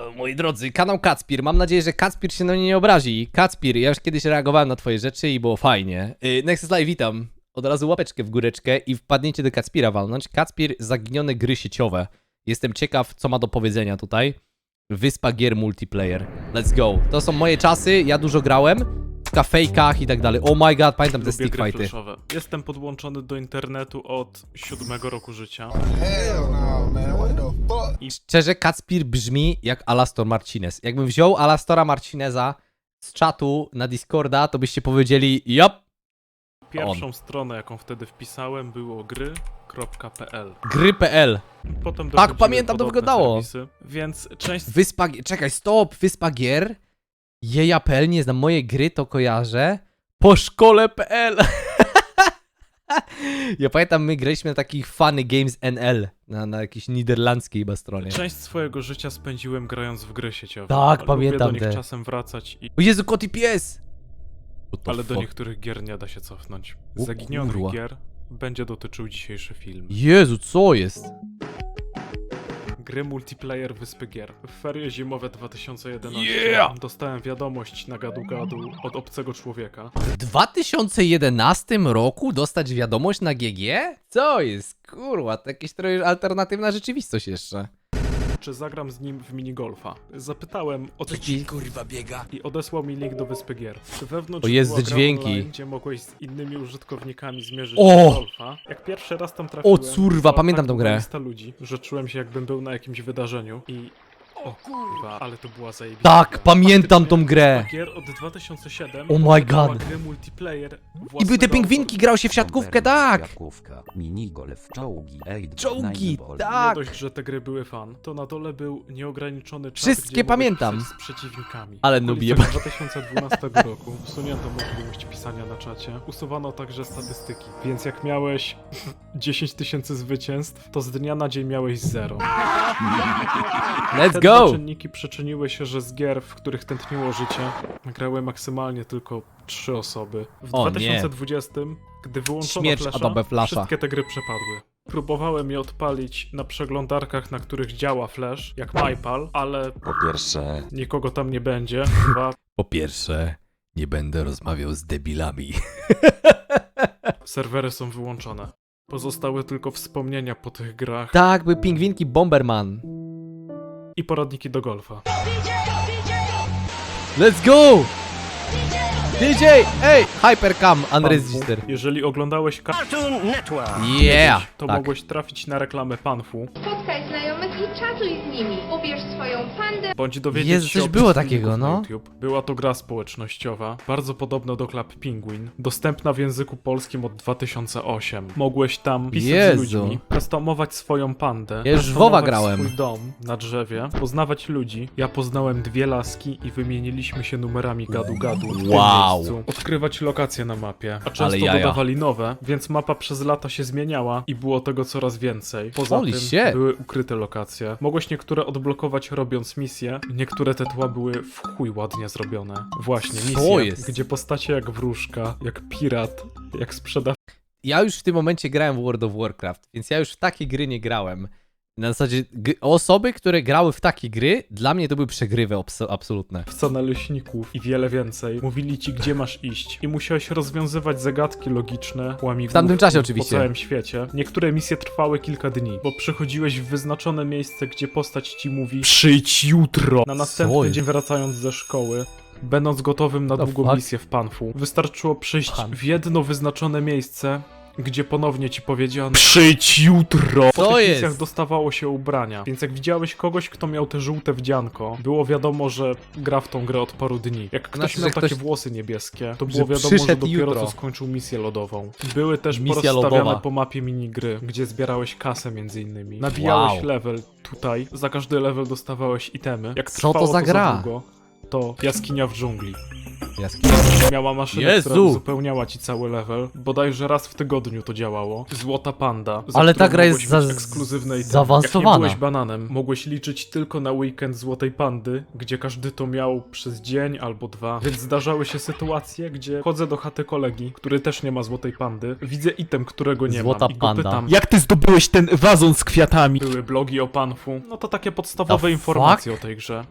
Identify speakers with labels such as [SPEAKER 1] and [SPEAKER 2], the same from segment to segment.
[SPEAKER 1] Moi drodzy, kanał Kacpir. Mam nadzieję, że Kacpir się na mnie nie obrazi. Kacpir, ja już kiedyś reagowałem na twoje rzeczy i było fajnie. Next Live, witam. Od razu łapeczkę w góreczkę i wpadniecie do Kacpira walnąć. Kacpir, zaginione gry sieciowe. Jestem ciekaw, co ma do powiedzenia tutaj. Wyspa gier multiplayer. Let's go. To są moje czasy, ja dużo grałem. W kafejkach i tak dalej. Oh my god, pamiętam te
[SPEAKER 2] Lubię
[SPEAKER 1] stick
[SPEAKER 2] gry
[SPEAKER 1] fighty.
[SPEAKER 2] flashowe. Jestem podłączony do internetu od 7 roku życia.
[SPEAKER 3] Hell no, man. What the fuck?
[SPEAKER 1] Szczerze, Kacpir brzmi jak Alastor Martinez. Jakbym wziął Alastora Martineza z czatu na Discorda, to byście powiedzieli jop.
[SPEAKER 2] Pierwszą stronę, jaką wtedy wpisałem, było gry.pl.
[SPEAKER 1] Gry.pl.
[SPEAKER 2] Potem
[SPEAKER 1] Tak,
[SPEAKER 2] dochodziły
[SPEAKER 1] pamiętam, to
[SPEAKER 2] podobne
[SPEAKER 1] wyglądało.
[SPEAKER 2] serwisy, więc część
[SPEAKER 1] Wyspa... Czekaj, stop. Wyspa gier. Jeja.pl, nie znam. Moje gry to kojarzę. Po szkole.pl. Ja pamiętam, my graliśmy na takich Funny Games NL. Na jakiejś niderlandzkiej chyba stronie.
[SPEAKER 2] część swojego życia spędziłem grając w gry sieciowe.
[SPEAKER 1] Tak,
[SPEAKER 2] Lubię
[SPEAKER 1] pamiętam
[SPEAKER 2] do nich
[SPEAKER 1] te.
[SPEAKER 2] czasem wracać,
[SPEAKER 1] O Jezu, kot i pies! What the
[SPEAKER 2] ale do
[SPEAKER 1] fuck?
[SPEAKER 2] niektórych gier nie da się cofnąć.
[SPEAKER 1] O
[SPEAKER 2] Zaginionych
[SPEAKER 1] kurwa.
[SPEAKER 2] gier będzie dotyczył dzisiejszy film.
[SPEAKER 1] Jezu, co jest?
[SPEAKER 2] Gry multiplayer Wyspy Gier. W ferie zimowe 2011
[SPEAKER 1] Yeah!
[SPEAKER 2] dostałem wiadomość na gadu-gadu od obcego człowieka.
[SPEAKER 1] W 2011 roku dostać wiadomość na GG? Co jest? Kurwa, to jakieś trochę alternatywna rzeczywistość jeszcze.
[SPEAKER 2] Czy zagram z nim w minigolfa? Zapytałem o co
[SPEAKER 1] ci,
[SPEAKER 3] kurwa biega?
[SPEAKER 2] i odesłał mi link do Wyspy Gier. Wewnątrz
[SPEAKER 1] O, jest
[SPEAKER 2] była
[SPEAKER 1] te
[SPEAKER 2] gra
[SPEAKER 1] dźwięki.
[SPEAKER 2] online, gdzie mogłeś z innymi użytkownikami zmierzyć
[SPEAKER 1] O!
[SPEAKER 2] golfa. Jak pierwszy raz tam trafiłem,
[SPEAKER 1] curwa,
[SPEAKER 2] była
[SPEAKER 1] pamiętam
[SPEAKER 2] tak
[SPEAKER 1] tą
[SPEAKER 2] długa
[SPEAKER 1] grę.
[SPEAKER 2] lista ludzi, że czułem się jakbym był na jakimś wydarzeniu i... O kurwa, ale to była zajebista
[SPEAKER 1] Tak,
[SPEAKER 2] gra.
[SPEAKER 1] pamiętam tą grę.
[SPEAKER 2] Wyspa Gier od 2007
[SPEAKER 1] Oh my
[SPEAKER 2] dodała
[SPEAKER 1] god.
[SPEAKER 2] gry multiplayer
[SPEAKER 1] I były te
[SPEAKER 2] własnego
[SPEAKER 1] pingwinki, grał się w siatkówkę, tak!
[SPEAKER 4] Siatkówka, minigolf, czołgi,
[SPEAKER 1] Czołgi,
[SPEAKER 2] Nie
[SPEAKER 1] tak!
[SPEAKER 2] dość, że te gry były fan, to na dole był nieograniczony czas,
[SPEAKER 1] Wszystkie
[SPEAKER 2] gdzie mogłeś
[SPEAKER 1] pamiętam.
[SPEAKER 2] pisać z przeciwnikami.
[SPEAKER 1] Ale
[SPEAKER 2] W
[SPEAKER 1] nubię.
[SPEAKER 2] okolicach 2012 roku usunięto możliwość pisania na czacie. Usuwano także statystyki, więc jak miałeś 10 tysięcy zwycięstw, to z dnia na dzień miałeś 0.
[SPEAKER 1] Let's
[SPEAKER 2] Te
[SPEAKER 1] go!
[SPEAKER 2] dwa czynniki przyczyniły się, że z gier, w których tętniło życie, grały maksymalnie tylko 3 osoby. W
[SPEAKER 1] O nie.
[SPEAKER 2] 2020, gdy wyłączono
[SPEAKER 1] Śmierć
[SPEAKER 2] Flasha,
[SPEAKER 1] Adobe Flasha.
[SPEAKER 2] wszystkie te gry przepadły. Próbowałem je odpalić na przeglądarkach, na których działa Flash, jak MyPal, ale
[SPEAKER 4] Po pierwsze,
[SPEAKER 2] nikogo tam nie będzie. Dwa,
[SPEAKER 1] Po pierwsze, nie będę rozmawiał z debilami.
[SPEAKER 2] serwery są wyłączone. Pozostały tylko wspomnienia po tych grach
[SPEAKER 1] Tak, były pingwinki Bomberman.
[SPEAKER 2] i poradniki do golfa.
[SPEAKER 1] Let's go! DJ! Ej! Hypercam, Unregister.
[SPEAKER 2] Jeżeli oglądałeś
[SPEAKER 1] Yeah!
[SPEAKER 2] to
[SPEAKER 1] Tak.
[SPEAKER 2] mogłeś trafić na reklamę Panfu,
[SPEAKER 5] Spotkaj znajomych i czatuj z nimi. Ubierz swoją pandę.
[SPEAKER 2] bądź dowiedzieć
[SPEAKER 1] Jezu,
[SPEAKER 2] się
[SPEAKER 1] coś
[SPEAKER 2] o
[SPEAKER 1] było
[SPEAKER 2] filmików
[SPEAKER 1] takiego,
[SPEAKER 2] na
[SPEAKER 1] no.
[SPEAKER 2] YouTube. Była to gra społecznościowa, bardzo podobna do Club Penguin, dostępna w języku polskim od 2008. Mogłeś tam pisać
[SPEAKER 1] Jezu.
[SPEAKER 2] z ludźmi, customować swoją pandę,
[SPEAKER 1] Ja już w
[SPEAKER 2] customować
[SPEAKER 1] WoWa grałem.
[SPEAKER 2] swój dom na drzewie, poznawać ludzi. Ja poznałem 2 laski i wymieniliśmy się numerami gadu-gadu w tym
[SPEAKER 1] Wow.
[SPEAKER 2] miejscu. Odkrywać lokacje na mapie, a często
[SPEAKER 1] Ale jaja.
[SPEAKER 2] dodawali nowe, więc mapa przez lata się zmieniała i było tego coraz więcej. Poza
[SPEAKER 1] Holy
[SPEAKER 2] tym
[SPEAKER 1] shit.
[SPEAKER 2] były ukryte lokacje. Mogłeś niektóre odblokować robiąc misje, niektóre te tła były w chuj ładnie zrobione. Właśnie,
[SPEAKER 1] Co
[SPEAKER 2] misje,
[SPEAKER 1] jest?
[SPEAKER 2] gdzie postacie jak wróżka, jak pirat, jak sprzedawca
[SPEAKER 1] Ja już w tym momencie grałem w World of Warcraft, więc ja już w takie gry nie grałem. Na zasadzie osoby, które grały w takie gry, dla mnie to były przegrywy absolutne.
[SPEAKER 2] naleśników i wiele więcej. Mówili ci, gdzie masz iść i musiałeś rozwiązywać zagadki logiczne, łamigłówki
[SPEAKER 1] W tamtym czasie oczywiście.
[SPEAKER 2] po całym świecie. Niektóre misje trwały kilka dni, bo przychodziłeś w wyznaczone miejsce, gdzie postać ci mówi przyjdź jutro. Na
[SPEAKER 1] Co
[SPEAKER 2] następny
[SPEAKER 1] jest?
[SPEAKER 2] dzień wracając ze szkoły, będąc gotowym na
[SPEAKER 1] The
[SPEAKER 2] długą
[SPEAKER 1] fuck?
[SPEAKER 2] misję w Panfu, wystarczyło przyjść
[SPEAKER 1] Pan.
[SPEAKER 2] w jedno wyznaczone miejsce, gdzie ponownie ci powiedziano przyjdź jutro. Po
[SPEAKER 1] Co
[SPEAKER 2] tych
[SPEAKER 1] jest?
[SPEAKER 2] misjach dostawało się ubrania, więc jak widziałeś kogoś, kto miał te żółte wdzianko, było wiadomo, że gra w tą grę od paru dni. Jak ktoś
[SPEAKER 1] Znaczy,
[SPEAKER 2] miał
[SPEAKER 1] że
[SPEAKER 2] takie
[SPEAKER 1] ktoś-
[SPEAKER 2] włosy niebieskie, to
[SPEAKER 1] że
[SPEAKER 2] było wiadomo, że
[SPEAKER 1] przyszedł
[SPEAKER 2] dopiero
[SPEAKER 1] jutro.
[SPEAKER 2] co skończył misję lodową. Były też
[SPEAKER 1] Misja
[SPEAKER 2] porozstawiane
[SPEAKER 1] lodowa.
[SPEAKER 2] po mapie minigry, gdzie zbierałeś kasę między innymi. Nabijałeś
[SPEAKER 1] Wow.
[SPEAKER 2] level tutaj, za każdy level dostawałeś itemy. Jak
[SPEAKER 1] Co to
[SPEAKER 2] trwało
[SPEAKER 1] za gra?
[SPEAKER 2] długo, to jaskinia w dżungli.
[SPEAKER 1] Jaskinia.
[SPEAKER 2] Miała maszynę,
[SPEAKER 1] Jezu!
[SPEAKER 2] która uzupełniała ci cały level. Bodajże raz w tygodniu to działało. Złota panda. za
[SPEAKER 1] Ale ta
[SPEAKER 2] którą
[SPEAKER 1] gra jest
[SPEAKER 2] mogłeś mieć ekskluzywne itemy.
[SPEAKER 1] zaawansowana.
[SPEAKER 2] Jak nie byłeś bananem, mogłeś liczyć tylko na weekend Złotej Pandy, gdzie każdy to miał przez dzień albo 2. Więc zdarzały się sytuacje, gdzie chodzę do chaty kolegi, który też nie ma Złotej Pandy. Widzę item, którego nie
[SPEAKER 1] Złota
[SPEAKER 2] mam i go
[SPEAKER 1] panda.
[SPEAKER 2] pytam.
[SPEAKER 6] Jak ty zdobyłeś ten wazon z kwiatami?
[SPEAKER 2] Były blogi o Panfu. No to takie podstawowe
[SPEAKER 1] The
[SPEAKER 2] informacje o tej grze.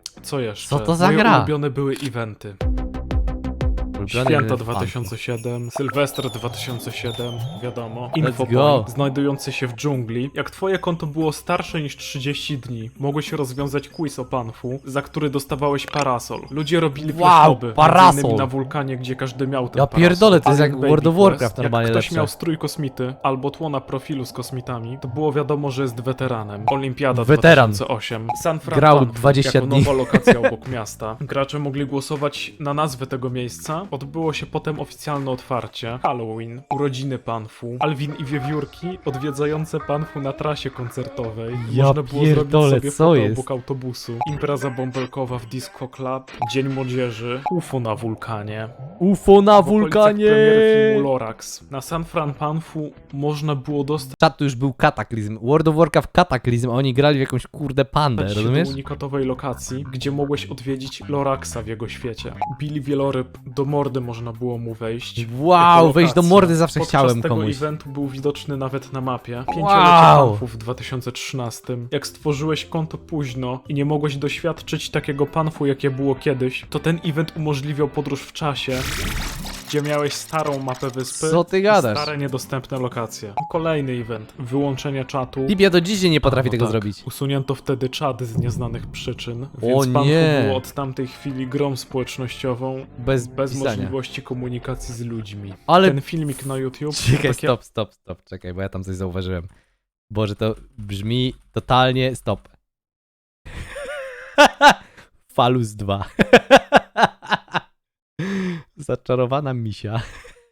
[SPEAKER 2] Co jeszcze?
[SPEAKER 1] Co to za
[SPEAKER 2] Moje
[SPEAKER 1] gra?
[SPEAKER 2] ulubione były eventy. Święta 2007, Sylwester 2007, wiadomo.
[SPEAKER 1] go.
[SPEAKER 2] Infopoint, znajdujący się w dżungli. Jak twoje konto było starsze niż 30 dni, mogłeś rozwiązać quiz o Panfu, za który dostawałeś parasol. Ludzie robili flashmoby,
[SPEAKER 1] parasol!
[SPEAKER 2] między innymi na wulkanie, gdzie każdy miał ten
[SPEAKER 1] Ja
[SPEAKER 2] parasol.
[SPEAKER 1] pierdolę, to jest jak
[SPEAKER 2] Alien
[SPEAKER 1] World
[SPEAKER 2] Baby
[SPEAKER 1] of Warcraft
[SPEAKER 2] Quest,
[SPEAKER 1] normalnie
[SPEAKER 2] Jak ktoś
[SPEAKER 1] lepsze.
[SPEAKER 2] miał strój kosmity albo tło na profilu z kosmitami, to było wiadomo, że jest weteranem. Olimpiada
[SPEAKER 1] Weteran.
[SPEAKER 2] 2008. San Fran
[SPEAKER 1] Grał
[SPEAKER 2] Panfu,
[SPEAKER 1] 20
[SPEAKER 2] jako
[SPEAKER 1] dni.
[SPEAKER 2] nowa lokacja obok miasta. Gracze mogli głosować na nazwę tego miejsca. Odbyło się potem oficjalne otwarcie. Halloween, urodziny Panfu, Alvin i Wiewiórki odwiedzające Panfu na trasie koncertowej.
[SPEAKER 1] Ja
[SPEAKER 2] Można było
[SPEAKER 1] pierdolę,
[SPEAKER 2] zrobić sobie
[SPEAKER 1] co
[SPEAKER 2] foto
[SPEAKER 1] jest?
[SPEAKER 2] obok autobusu. Impreza bąbelkowa w Disco Club, Dzień Młodzieży, UFO na wulkanie.
[SPEAKER 1] UFO na
[SPEAKER 2] W okolicach
[SPEAKER 1] wulkanie!
[SPEAKER 2] premiery filmu Lorax. Na San Fran Panfu można było dostać
[SPEAKER 1] Czat to już był kataklizm. World of Warcraft kataklizm, a oni grali w jakąś kurde pandę,
[SPEAKER 2] się
[SPEAKER 1] rozumiesz?
[SPEAKER 2] do unikatowej lokacji, gdzie mogłeś odwiedzić Loraxa w jego świecie. Billy Wieloryb, do mordy można było mu wejść.
[SPEAKER 1] Wow,
[SPEAKER 2] Jako
[SPEAKER 1] wejść do
[SPEAKER 2] lokacja.
[SPEAKER 1] mordy zawsze
[SPEAKER 2] Podczas
[SPEAKER 1] chciałem
[SPEAKER 2] tego
[SPEAKER 1] komuś.
[SPEAKER 2] eventu był widoczny nawet na mapie.
[SPEAKER 1] Wow.
[SPEAKER 2] Pięciolecie Panfu w 2013. Jak stworzyłeś konto późno i nie mogłeś doświadczyć takiego Panfu, jakie było kiedyś, to ten event umożliwiał podróż w czasie, gdzie miałeś starą mapę wyspy
[SPEAKER 1] Co ty
[SPEAKER 2] i
[SPEAKER 1] gadasz?
[SPEAKER 2] stare niedostępne lokacje. Kolejny event. Wyłączenie czatu.
[SPEAKER 1] Libia do dziś nie potrafi
[SPEAKER 2] No
[SPEAKER 1] tego
[SPEAKER 2] tak.
[SPEAKER 1] zrobić.
[SPEAKER 2] Usunięto wtedy czat z nieznanych przyczyn, więc
[SPEAKER 1] O
[SPEAKER 2] Panfu
[SPEAKER 1] nie.
[SPEAKER 2] było od tamtej chwili grą społecznościową
[SPEAKER 1] Bez
[SPEAKER 2] bez
[SPEAKER 1] pisania.
[SPEAKER 2] możliwości komunikacji z ludźmi.
[SPEAKER 1] Ale-
[SPEAKER 2] Ten filmik na YouTube to
[SPEAKER 1] Czekaj,
[SPEAKER 2] takie...
[SPEAKER 1] stop, czekaj, bo ja tam coś zauważyłem. Boże, to brzmi totalnie stop. Falus 2. Zaczarowana misia.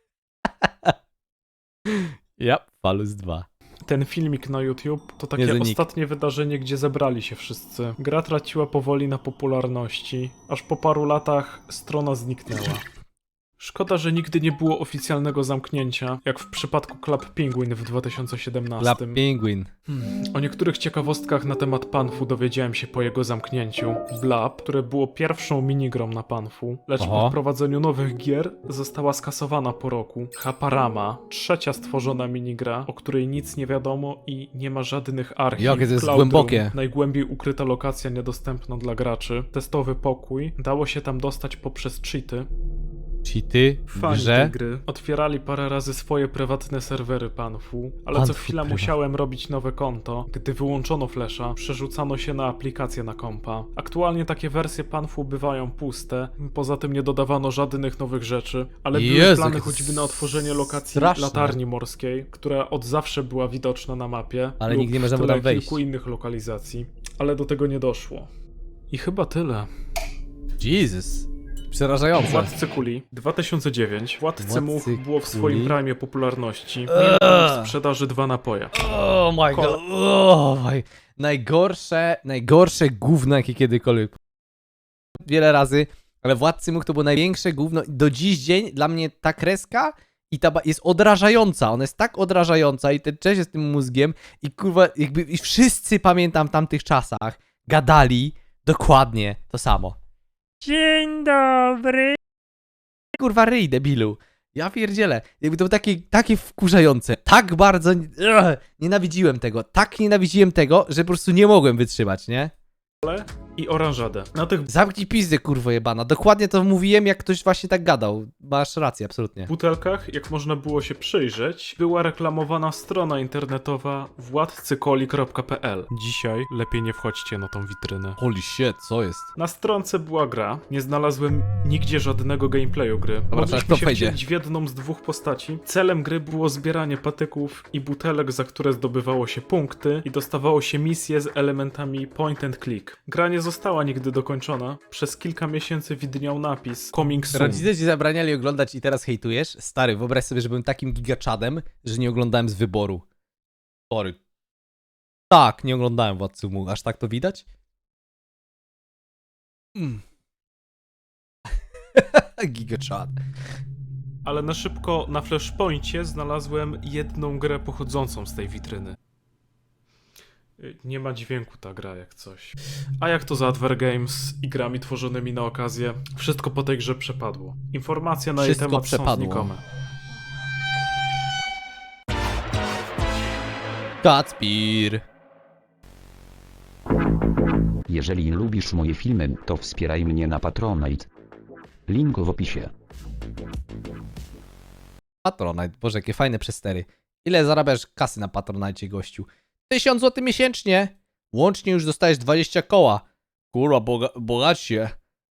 [SPEAKER 1] Ja, Falus 2.
[SPEAKER 2] Ten filmik na YouTube to takie
[SPEAKER 1] Niezły nick.
[SPEAKER 2] ostatnie wydarzenie, gdzie zebrali się wszyscy. Gra traciła powoli na popularności, aż po paru latach strona zniknęła. Szkoda, że nigdy nie było oficjalnego zamknięcia, jak w przypadku Club Penguin w 2017.
[SPEAKER 1] Club Penguin.
[SPEAKER 2] O niektórych ciekawostkach na temat Panfu dowiedziałem się po jego zamknięciu. Blab, które było pierwszą minigrą na Panfu, lecz
[SPEAKER 1] Oho.
[SPEAKER 2] po wprowadzeniu nowych gier została skasowana po roku. Haparama, trzecia stworzona minigra, o której nic nie wiadomo i nie ma żadnych archiw.
[SPEAKER 1] Jakie to jest
[SPEAKER 2] Cloud Room,
[SPEAKER 1] głębokie.
[SPEAKER 2] najgłębiej ukryta lokacja niedostępna dla graczy. Testowy pokój, dało się tam dostać poprzez cheaty.
[SPEAKER 1] Cheaty w
[SPEAKER 2] Fani tej
[SPEAKER 1] grze.
[SPEAKER 2] gry otwierali parę razy swoje prywatne serwery Panfu, ale co
[SPEAKER 1] Panfu
[SPEAKER 2] chwila
[SPEAKER 1] prywatne.
[SPEAKER 2] musiałem robić nowe konto. Gdy wyłączono flasha, przerzucano się na aplikację na kompa. Aktualnie takie wersje Panfu bywają puste, poza tym nie dodawano żadnych nowych rzeczy, ale były
[SPEAKER 1] Jezu,
[SPEAKER 2] plany
[SPEAKER 1] jakie
[SPEAKER 2] choćby na otworzenie lokacji
[SPEAKER 1] straszne.
[SPEAKER 2] latarni morskiej, która od zawsze była widoczna na mapie,
[SPEAKER 1] Ale
[SPEAKER 2] lub
[SPEAKER 1] nikt nie może
[SPEAKER 2] w
[SPEAKER 1] mu
[SPEAKER 2] tle
[SPEAKER 1] tam wejść.
[SPEAKER 2] kilku innych lokalizacji, ale do tego nie doszło. I chyba tyle.
[SPEAKER 1] Jesus. Przerażające.
[SPEAKER 2] Władcy Kuli 2009. Władcy
[SPEAKER 1] Władcy
[SPEAKER 2] Much było w swoim
[SPEAKER 1] Kuli.
[SPEAKER 2] prime popularności. Mieli w sprzedaży 2 napoje.
[SPEAKER 1] Oh my god. Oh my. Najgorsze gówno, jakie kiedykolwiek. Wiele razy, ale Władcy Much to było największe gówno. Do dziś dzień dla mnie ta kreska i ta jest odrażająca. Ona jest tak odrażająca i ten cześć z tym mózgiem i kurwa, jakby i wszyscy pamiętam w tamtych czasach gadali dokładnie to samo. Dzień dobry. Kurwa ryj, debilu. Ja pierdzielę. Jakby to było takie wkurzające. Tak bardzo nienawidziłem tego. Tak nienawidziłem tego, że po prostu nie mogłem wytrzymać, nie?
[SPEAKER 2] I oranżadę. Na tych
[SPEAKER 1] Zamknij pizdę, kurwo jebana. Dokładnie to mówiłem, jak ktoś właśnie tak gadał. Masz rację, absolutnie.
[SPEAKER 2] butelkach, jak można było się przyjrzeć, była reklamowana strona internetowa władcykoli.pl. Dzisiaj lepiej nie wchodźcie na tą witrynę.
[SPEAKER 1] Holy shit, co jest?
[SPEAKER 2] Na stronce była gra, nie znalazłem nigdzie żadnego gameplayu gry.
[SPEAKER 1] teraz
[SPEAKER 2] Mogliśmy
[SPEAKER 1] kto
[SPEAKER 2] się
[SPEAKER 1] wejdzie?
[SPEAKER 2] wcielić w jedną z dwóch postaci. Celem gry było zbieranie patyków i butelek, za które zdobywało się punkty i dostawało się misje z elementami point and click. Gra nie została nigdy dokończona. Przez kilka miesięcy widniał napis Coming Soon.
[SPEAKER 1] Rodzice ci zabraniali oglądać i teraz hejtujesz? Stary, wyobraź sobie, że byłem takim gigaczadem, że nie oglądałem z wyboru. Sorry. Tak, nie oglądałem Władcy Much. Aż tak to widać? Gigaczad.
[SPEAKER 2] Ale na szybko na Flashpoincie znalazłem jedną grę pochodzącą z tej witryny. Nie ma dźwięku ta gra jak coś. A jak to za Adver Games i grami tworzonymi na okazję? Wszystko po tej grze przepadło. Informacje na jej
[SPEAKER 1] Wszystko
[SPEAKER 2] temat
[SPEAKER 1] przepadło.
[SPEAKER 2] są znikome.
[SPEAKER 1] Kacpir.
[SPEAKER 4] Jeżeli lubisz moje filmy, to wspieraj mnie na Patronite. Link w opisie.
[SPEAKER 1] Patronite, boże, jakie fajne przestery. Ile zarabiasz kasy na Patronite, gościu? 1000 zł miesięcznie! Łącznie już dostajesz 20 koła. Kurwa, bogacie.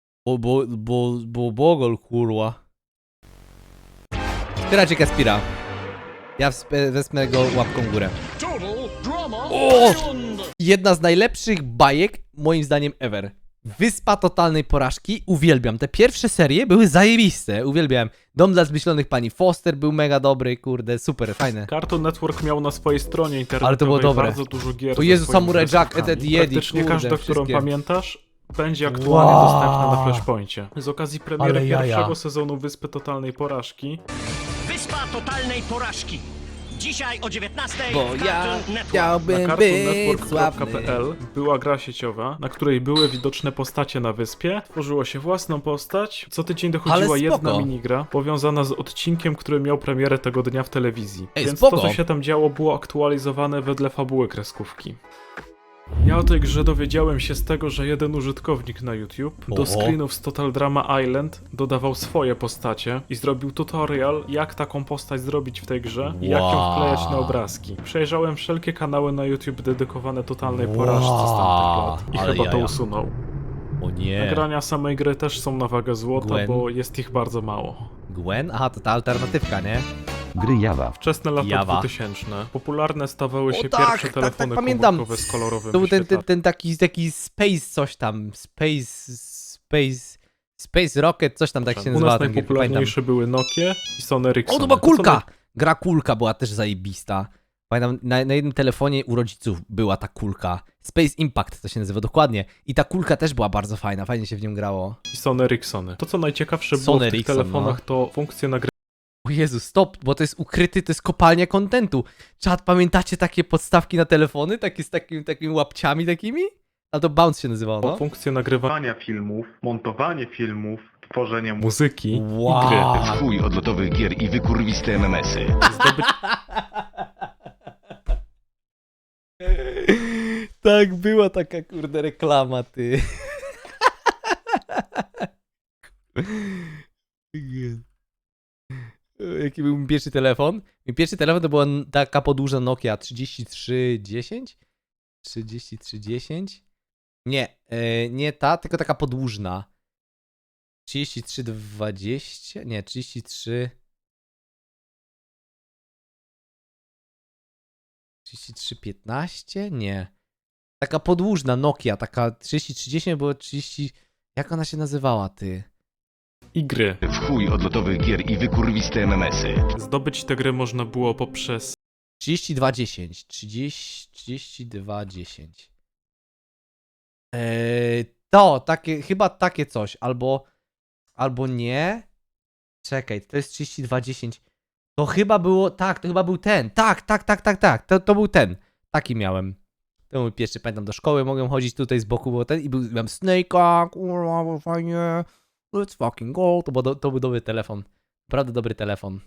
[SPEAKER 1] Bogol, kurwa. Wspierajcie Kacpira. Ja wezmę go łapką w górę. O! Jedna z najlepszych bajek, moim zdaniem, ever. Wyspa totalnej porażki. Uwielbiam. Te pierwsze serie były zajebiste. Uwielbiam. Dom dla zmyślonych pani Foster był mega dobry, kurde, super, fajne.
[SPEAKER 2] Cartoon Network miał na swojej stronie internetowej
[SPEAKER 1] Ale to było dobre.
[SPEAKER 2] bardzo dużo gier.
[SPEAKER 1] O
[SPEAKER 2] ze
[SPEAKER 1] Jezu,
[SPEAKER 2] swoimi
[SPEAKER 1] Samurai Jack,
[SPEAKER 2] kreskówkami.
[SPEAKER 1] Ed, Ed, Yedi,
[SPEAKER 2] Praktycznie
[SPEAKER 1] kurde,
[SPEAKER 2] każda, którą
[SPEAKER 1] wszystkie.
[SPEAKER 2] pamiętasz, będzie aktualnie
[SPEAKER 1] Wow.
[SPEAKER 2] dostępna na Flashpoincie. Z okazji premiery
[SPEAKER 1] Ale jaja.
[SPEAKER 2] pierwszego sezonu Wyspy Totalnej Porażki
[SPEAKER 6] Wyspa totalnej porażki. Dzisiaj o 19:00
[SPEAKER 1] Bo
[SPEAKER 6] w
[SPEAKER 1] ja
[SPEAKER 6] Cartoon Network.
[SPEAKER 2] na
[SPEAKER 1] chciałbym być sławny.
[SPEAKER 2] cartoonnetwork.pl była gra sieciowa, na której były widoczne postacie na wyspie. Tworzyło się własną postać. Co tydzień
[SPEAKER 1] Ale
[SPEAKER 2] dochodziła jedna
[SPEAKER 1] spoko.
[SPEAKER 2] minigra powiązana z odcinkiem, który miał premierę tego dnia w telewizji.
[SPEAKER 1] Ej,
[SPEAKER 2] Więc
[SPEAKER 1] spoko.
[SPEAKER 2] to, co się tam działo, było aktualizowane wedle fabuły kreskówki. Ja o tej grze dowiedziałem się z tego, że jeden użytkownik na YouTube do
[SPEAKER 1] Oho.
[SPEAKER 2] screenów z Total Drama Island dodawał swoje postacie i zrobił tutorial, jak taką postać zrobić w tej grze i jak ją
[SPEAKER 1] Wow.
[SPEAKER 2] wklejać na obrazki. Przejrzałem wszelkie kanały na YouTube dedykowane totalnej porażce z tamtych lat i
[SPEAKER 1] Ale
[SPEAKER 2] chyba to
[SPEAKER 1] jaja.
[SPEAKER 2] usunął.
[SPEAKER 1] O nie.
[SPEAKER 2] Nagrania samej gry też są na wagę złota,
[SPEAKER 1] Gwen.
[SPEAKER 2] bo jest ich bardzo mało.
[SPEAKER 1] Gwen? Aha, to ta alternatywka, nie?
[SPEAKER 4] Gry Java.
[SPEAKER 2] Wczesne lata
[SPEAKER 1] Java.
[SPEAKER 2] 2000. Popularne stawały się
[SPEAKER 1] O tak,
[SPEAKER 2] pierwsze telefony
[SPEAKER 1] pamiętam.
[SPEAKER 2] komórkowe z kolorowym
[SPEAKER 1] To był ten
[SPEAKER 2] wyświetlaczem.
[SPEAKER 1] taki space coś tam. Space Rocket, coś tam tak się
[SPEAKER 2] U
[SPEAKER 1] nazywa
[SPEAKER 2] nas
[SPEAKER 1] ten gier, pamiętam.
[SPEAKER 2] najpopularniejsze były Nokie i Sony Ericsson.
[SPEAKER 1] O, to była kulka! Gra kulka była też zajebista. Pamiętam, na jednym telefonie u rodziców była ta kulka. Space Impact to się nazywa dokładnie. I ta kulka też była bardzo fajna, fajnie się w nią grało.
[SPEAKER 2] I Sony Ericssony. To co najciekawsze było
[SPEAKER 1] Sony
[SPEAKER 2] w tych
[SPEAKER 1] Ericsson,
[SPEAKER 2] telefonach to funkcje nagrywania
[SPEAKER 1] O Jezu, stop, bo to jest ukryty, to jest kopalnia kontentu. Czad, pamiętacie takie podstawki na telefony? Takie z takimi łapciami takimi? A to Bounce się nazywało, no?
[SPEAKER 2] funkcje nagrywania
[SPEAKER 7] Nagrywania filmów, montowanie filmów, tworzenie
[SPEAKER 2] muzyki i
[SPEAKER 1] Wow.
[SPEAKER 2] gry.
[SPEAKER 8] Chuj odlotowych gier i wykurwiste MMS-y.
[SPEAKER 1] Tak, była taka kurde reklama, ty. Jaki był mój pierwszy telefon? Mój pierwszy telefon to była taka podłużna Nokia 3310? 3310? Nie, nie ta, tylko taka podłużna. 3320? Nie, 33... 3315? Nie. Taka podłużna Nokia, taka 3310 było 30... Jak ona się nazywała, ty?
[SPEAKER 2] I gry.
[SPEAKER 8] W chuj odlotowych gier i wykurwiste MMS-y.
[SPEAKER 2] Zdobyć te gry można było poprzez
[SPEAKER 1] 3210. 3210. To, takie, chyba takie coś, albo nie. Czekaj, to jest 3210. To chyba było, tak, to chyba był ten. Tak. To był ten. Taki miałem. To mój pierwszy, pamiętam, do szkoły mogłem chodzić tutaj z boku, bo ten i miałem Snake'a, kurwa, było fajnie. Let's fucking go. To był dobry telefon. Naprawdę dobry telefon.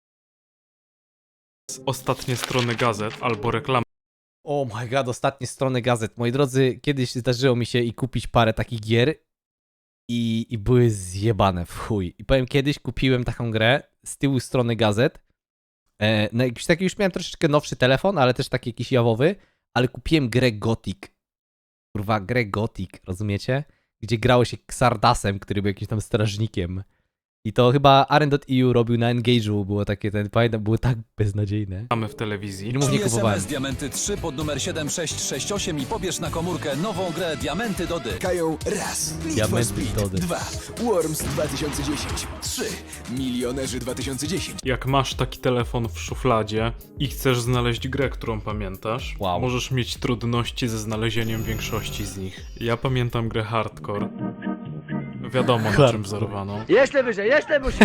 [SPEAKER 2] ostatnie strony gazet albo reklamy
[SPEAKER 1] Oh my god, ostatnie strony gazet. Moi drodzy, kiedyś zdarzyło mi się i kupić parę takich gier i były zjebane w chuj. I powiem, kiedyś kupiłem taką grę z tyłu strony gazet. No jakiś taki już miałem troszeczkę nowszy telefon, ale też taki jakiś jawowy, ale kupiłem grę Gothic. Kurwa, grę Gothic, rozumiecie? Gdzie grało się Xardasem, który był jakimś tam strażnikiem. I to chyba Aren.eu robił na Engage'u, było takie, pamiętam, było tak beznadziejne.
[SPEAKER 2] w telewizji.
[SPEAKER 1] Filmów nie kupowałem.
[SPEAKER 9] SMS Diamenty 3 pod numer 7668 i pobierz na komórkę nową grę Diamenty Dody.
[SPEAKER 3] Kają raz. Need for
[SPEAKER 1] Diamenty
[SPEAKER 3] Speed
[SPEAKER 1] Dody.
[SPEAKER 3] 2. Worms 2010. 3. Milionerzy 2010.
[SPEAKER 2] Jak masz taki telefon w szufladzie i chcesz znaleźć grę, którą pamiętasz,
[SPEAKER 1] Wow.
[SPEAKER 2] możesz mieć trudności ze znalezieniem większości z nich. Ja pamiętam grę Hardcore. Wiadomo na
[SPEAKER 1] Hardcore.
[SPEAKER 2] czym wzorowano.
[SPEAKER 6] Jeszcze wyżej, jeszcze musisz.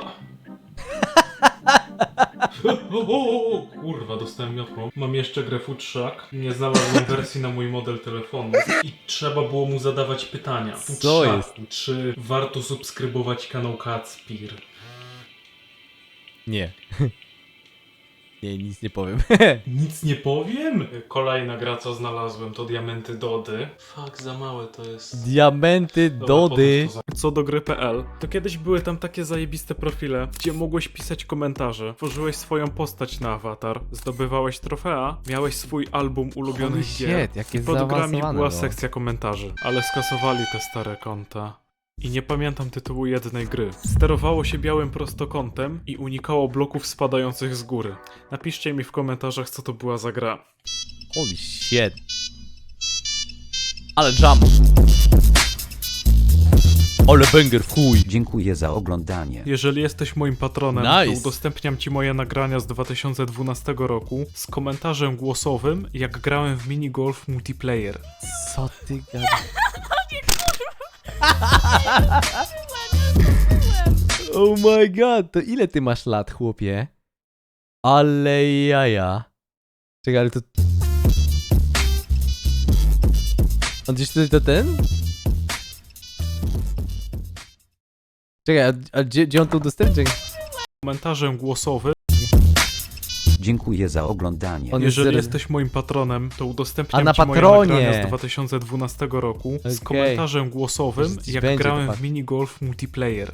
[SPEAKER 2] Kurwa, dostałem miotłą. Mam jeszcze grę Futrzak. Nie znalazłem wersji na mój model telefonu. I trzeba było mu zadawać pytania.
[SPEAKER 1] Co jest?
[SPEAKER 2] Czy warto subskrybować kanał Kacpir?
[SPEAKER 1] Nie. Nie, nic nie powiem.
[SPEAKER 2] Nic nie powiem? Kolejna gra, co znalazłem, to Diamenty Dody. Fuck, za małe to jest.
[SPEAKER 1] Diamenty
[SPEAKER 2] Dobra,
[SPEAKER 1] Dody.
[SPEAKER 2] potem to Co do gry.pl, to kiedyś były tam takie zajebiste profile, gdzie mogłeś pisać komentarze, tworzyłeś swoją postać na awatar, zdobywałeś trofea, miałeś swój album ulubionych
[SPEAKER 1] Holy
[SPEAKER 2] gier
[SPEAKER 1] shit, jakie
[SPEAKER 2] i pod grami
[SPEAKER 1] zaawansowane
[SPEAKER 2] była
[SPEAKER 1] było.
[SPEAKER 2] sekcja komentarzy, ale skasowali te stare konta. I nie pamiętam tytułu jednej gry. Sterowało się białym prostokątem i unikało bloków spadających z góry. Napiszcie mi w komentarzach, co to była za gra.
[SPEAKER 1] Holy shit. Ale jump. Ale banger w chuj.
[SPEAKER 4] Dziękuję za oglądanie.
[SPEAKER 2] Jeżeli jesteś moim patronem,
[SPEAKER 1] Nice.
[SPEAKER 2] to udostępniam ci moje nagrania z 2012 roku z komentarzem głosowym, jak grałem w minigolf multiplayer.
[SPEAKER 1] Co ty gadasz? Oh my god, to ile ty masz lat, chłopie? Ale jaja. Czekaj, ale to... On gdzieś tutaj to ten? Czekaj, a gdzie on to udostępnia?
[SPEAKER 2] Komentarzem głosowym,
[SPEAKER 4] Dziękuję za oglądanie.
[SPEAKER 1] On jest
[SPEAKER 2] jeżeli
[SPEAKER 1] zero-
[SPEAKER 2] jesteś moim patronem, to udostępniam
[SPEAKER 1] A na
[SPEAKER 2] ci moje
[SPEAKER 1] patronie.
[SPEAKER 2] nagrania z 2012 roku z
[SPEAKER 1] Okej.
[SPEAKER 2] komentarzem głosowym,
[SPEAKER 1] Gdzieś
[SPEAKER 2] jak
[SPEAKER 1] będzie
[SPEAKER 2] grałem
[SPEAKER 1] to
[SPEAKER 2] w minigolf multiplayer.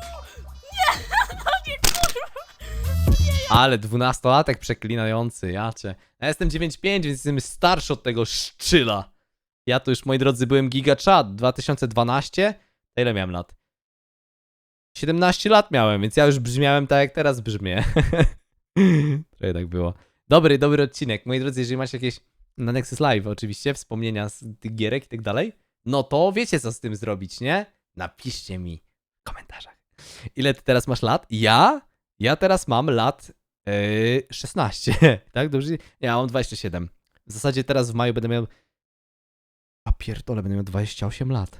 [SPEAKER 1] Ale 12-latek przeklinający, jacie. Ja jestem 9.5, więc jestem starszy od tego szczyla. Ja to już, moi drodzy, byłem gigachat 2012. To ile miałem lat? 17 lat miałem, więc ja już brzmiałem tak, jak teraz brzmię. Trochę tak było. Dobry odcinek. Moi drodzy, jeżeli macie jakieś na Nexus Live oczywiście wspomnienia z tych gierek i tak dalej, no to wiecie, co z tym zrobić, nie? Napiszcie mi w komentarzach. Ile ty teraz masz lat? Ja teraz mam lat 16, tak? Dobrze? Nie, ja mam 27. W zasadzie teraz w maju będę miał... A pierdolę, będę miał 28 lat.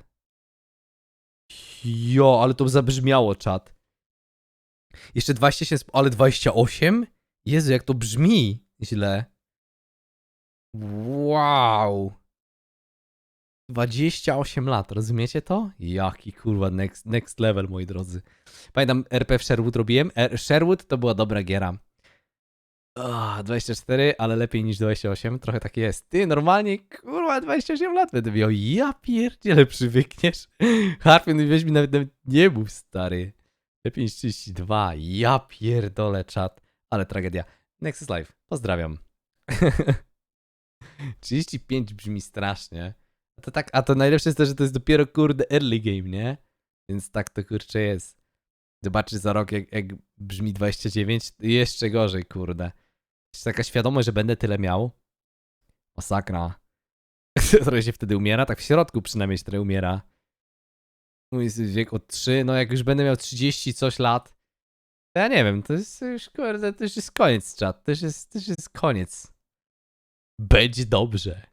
[SPEAKER 1] Jo, ale to zabrzmiało, czat. Jeszcze 27, ale 28? Jezu, jak to brzmi źle. Wow. 28 lat, rozumiecie to? Jaki kurwa next level, moi drodzy. Pamiętam, RP w Sherwood robiłem. Sherwood to była dobra giera. 24, ale lepiej niż 28, trochę tak jest. Ty, normalnie, kurwa, 28 lat będę miał. Ja pierdziele, przywykniesz. Harpion, weź mi nawet nie mów, stary. Lepiej niż 32, ja pierdolę, czat. Ale tragedia. Nexus Live, pozdrawiam. 35 brzmi strasznie. A to najlepsze jest to, że to jest dopiero, kurde, early game, nie? Więc tak to, kurczę, jest. Zobaczysz za rok, jak brzmi 29, jeszcze gorzej, kurde. Jest taka świadomość, że będę tyle miał. Masakra. Trochę się wtedy umiera, tak w środku przynajmniej się trochę umiera. Mój wiek od 3, no jak już będę miał 30 coś lat, to ja nie wiem, to jest już, kurde, to już jest koniec, czat. To już jest koniec. Będzie dobrze.